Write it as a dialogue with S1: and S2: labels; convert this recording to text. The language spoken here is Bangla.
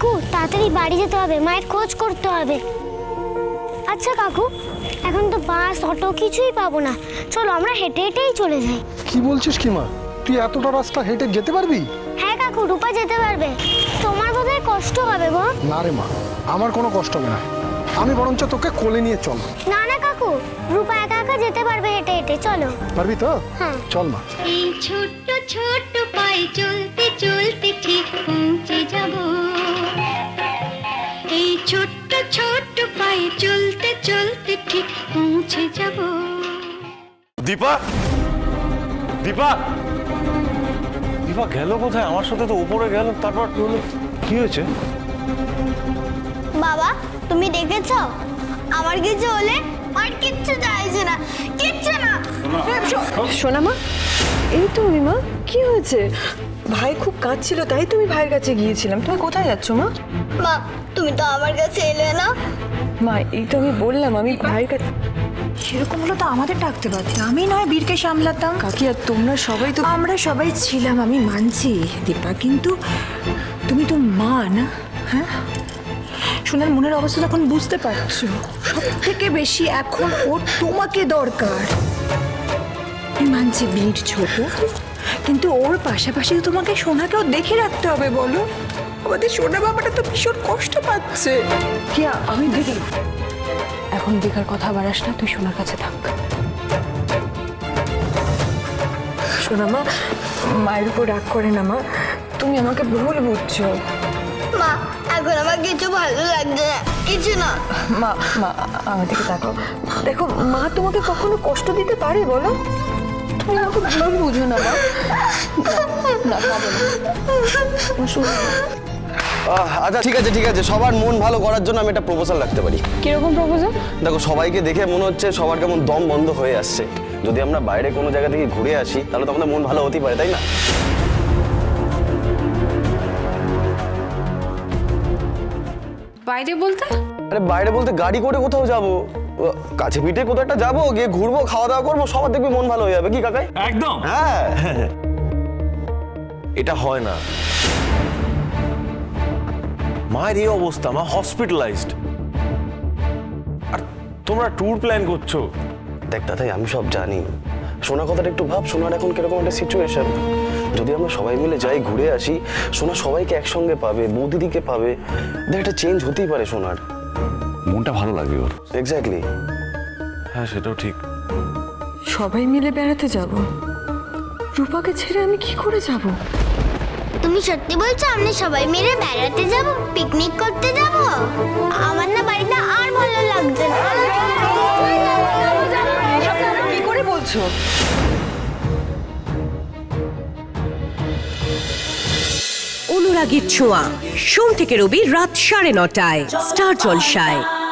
S1: কাকু তাড়াতাড়ি বাড়ি যেতে হবে, মায়ের খোঁজ করতে হবে। আচ্ছা কাকু, এখন তো বাস অটো কিছুই পাবো না, চলো আমরা হেঁটে হেঁটেই চলে যাই।
S2: কি বলছিস কি মা, তুই এতটা রাস্তা হেঁটে যেতে পারবি?
S1: হ্যাঁ কাকু, রূপা যেতে পারবে। তোমার বোধহয় কষ্ট হবে গো।
S2: না রে মা, আমার কোনো কষ্ট হবে না, আমি বরঞ্চ তোকে কোলে নিয়ে চল।
S1: না না কাকু, রূপা একা একা যেতে পারবে হেঁটে হেঁটে, চলো।
S2: পারবি তো?
S1: হ্যাঁ
S2: চল মা।
S3: এই ছোট্ট ছোট্ট পায়ে চলতে চলতে ঠিক পৌঁছে যাব। এই ছোট্ট ছোট্ট পায়ে চলতে চলতে ঠিক পৌঁছে যাব।
S4: দীপা, দীপা, দীপা গেল কোথায়? আমার সাথে তো উপরে গেল, তারপর কি হয়েছে?
S1: বাবা, তুমি দেখেছো আমার কিছু হলে আর কিচ্ছু চাইছে না, কিচ্ছু না।
S5: সোনা মা, এই তো মা, কি হয়েছে? ভাই খুব কাঁদছিল, তাই তুমি ভাইয়ের কাছে গিয়েছিলাম। তুমি কোথায় যাচ্ছ মা?
S1: মা, তুমি তো আমার কাছে এলে না।
S5: মা, এই তো আমি বললাম আমি ভাইয়ের কাছে।
S6: সেরকম হলো তো আমাদের ডাকতে পারতে, আমি নয় বীরকে সামলাতাম।
S5: কাকি আর তোমরা সবাই তো।
S6: আমরা সবাই ছিলাম, আমি মানছি দীপা, কিন্তু তুমি তো মা না? হ্যাঁ, সোনার মনের অবস্থা তখন বুঝতে পারছো। সব থেকে বেশি এখন ওর তোমাকে দরকার। আমি মানছি বীর ছোট, কিন্তু ওর পাশাপাশি তো তোমাকে সোনাকেও দেখে রাখতে হবে। বলো, আমাদের সোনা বাবাটা তো ভীষণ কষ্ট পাচ্ছে।
S5: কি আমি দেখি এখন দেখার কথা বাড়াস না, তুই সোনার কাছে থাক। সোনা মা, মায়ের উপর রাগ করে না মা, তুমি আমাকে ভুল বুঝছো।
S1: মা, এখন আমার কিছু ভালো লাগছে না, কিছু না।
S5: মা, মা আমার দিকে তাকাও। দেখো, মা তোমাকে কখনো কষ্ট দিতে পারে বলো? তুমি আমাকে ভুল বুঝো না মা। না, কাঁদো না। শোনো।
S7: আচ্ছা ঠিক আছে ঠিক আছে, সবার মন ভালো করার জন্য আমি একটা প্রপোজাল রাখতে পারি।
S5: কিরকম প্রপোজাল?
S7: দেখো, সবাইকে দেখে মনে হচ্ছে সবার কেমন দম বন্ধ হয়ে আসছে। যদি আমরা বাইরে কোনো জায়গা থেকে ঘুরে আসি তাহলে তো আমাদের মন ভালো হতেই পারে, তাই না?
S8: বাইরে বলতে?
S7: আরে বাইরে বলতে গাড়ি করে কোথাও যাবো, কাছে পিঠে কোথাও একটা যাবো, গিয়ে ঘুরবো, খাওয়া দাওয়া করবো, সবার দেখবি মন ভালো হয়ে যাবে। কি কাকাই?
S4: একদম।
S7: হ্যাঁ।
S4: এটা হয় না, মায়ের এই অবস্থা, মা হসপিটালাইজড, আর তোমরা ট্যুর প্ল্যান করছো।
S7: দেখ দাদাই, আমি সব জানি, সোনা কথাটা একটু ভাব, সোনার এখন কিরকম একটা সিচুয়েশন। যদি আমরা সবাই মিলে যাই, ঘুরে আসি, সোনা সবাইকে একসঙ্গে পাবে, বৌদিদিকে পাবে, দেখ একটা চেঞ্জ হতেই পারে সোনার।
S4: মনটা ভালো লাগবে ওর।
S7: এক্স্যাক্টলি।
S4: হ্যাঁ, সেটাও ঠিক।
S5: সবাই মিলে বেড়াতে যাব? রূপাকে ছেড়ে আমি কি করে যাব?
S1: তুমি সত্যি বলছো আমরা সবাই মিলে বেড়াতে যাব, পিকনিক করতে যাব? আমার না বাড়িটা আর ভালো লাগছে না।
S5: কি করে বলছো?
S9: অনুরাগীর ছোঁয়া, সোম থেকে রবি রাত 9:30টায় স্টার জলসায়।